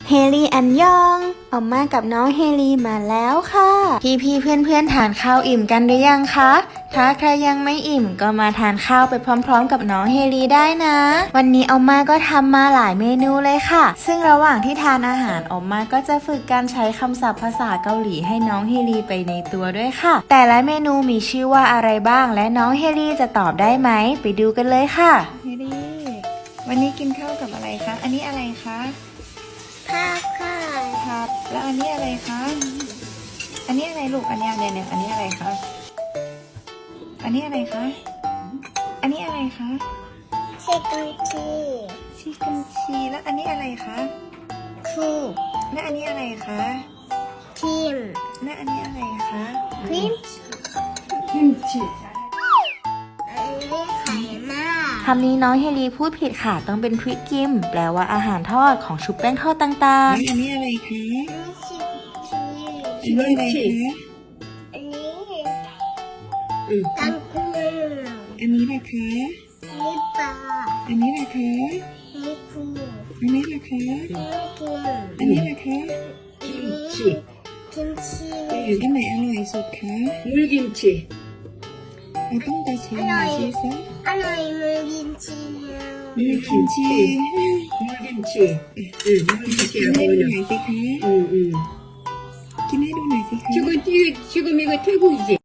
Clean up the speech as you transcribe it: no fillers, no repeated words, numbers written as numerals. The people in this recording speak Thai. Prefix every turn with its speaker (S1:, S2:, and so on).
S1: เฮลีอันยองออกมากับน้องเฮลีมาแล้วค่ะพี่เพื่อนทานข้าวอิ่มกันหรือยังคะถ้าใครยังไม่อิ่มก็มาทานข้าวไปพร้อมๆกับน้องเฮลีได้นะวันนี้ออมมาก็ทำมาหลายเมนูเลยค่ะซึ่งระหว่างที่ทานอาหารออมมาก็จะฝึกการใช้คำศัพท์ภาษาเกาหลีให้น้องเฮลีไปในตัวด้วยค่ะแต่ละเมนูมีชื่อว่าอะไรบ้างและน้องเฮลีจะตอบได้ไหมไปดูกันเลยค่ะเฮลีวันนี้กินข้าวกับอะไรคะอันนี้อะไรคะ
S2: ผักค่ะ
S1: ผัดแล้วอันนี้อะไรคะอันนี้อะไรลูกอันนี้อะไรเนี่ยอันนี้อะไรคะอันนี้อะไรคะอันนี้อะไรคะ
S2: ชิคกี้
S1: ชิคเก้นชีแล้วอันนี้อะไรคะ
S2: คู
S1: และอันนี้อะไรคะ
S2: ครีม
S1: และอันนี้อะไรคะ
S2: ครีม
S1: กิมจิ
S2: อันนี้ไข่มาก
S1: คำนี้น้องเฮลีพูดผิดค่ะต้องเป็นพริกกิมแปลว่าอาหารทอดของชุบแป้งทอดต่างๆอันนี้อะไรคะ
S2: อันนี้ชิคกี้
S1: อันนี้อะไรคะ
S2: อันนี้ตังกุ้ง
S1: อันนี้ล่ะคะ
S2: อันนี้ปลา
S1: อันนี้ล่ะคะ
S2: อันนี้คู
S1: อันนี้ล่ะคะ
S2: อันนี้ครีม
S1: อันนี้ล่ะคะ
S2: กิมจิกิมจิ
S1: อันไหนอร่อยสุดคะ
S3: 물김치.
S1: เราต้องไปชิมหน่อยสิซะ
S2: อร่อยมือกิมจิ
S1: 물김치
S3: 물김치. 물김치
S1: กินให้ดูหน่
S3: 어울려.
S1: อยสิคะ
S3: 응.
S1: กินให้ดูหน่อยสิคะ
S3: 지금 이거 태국이지?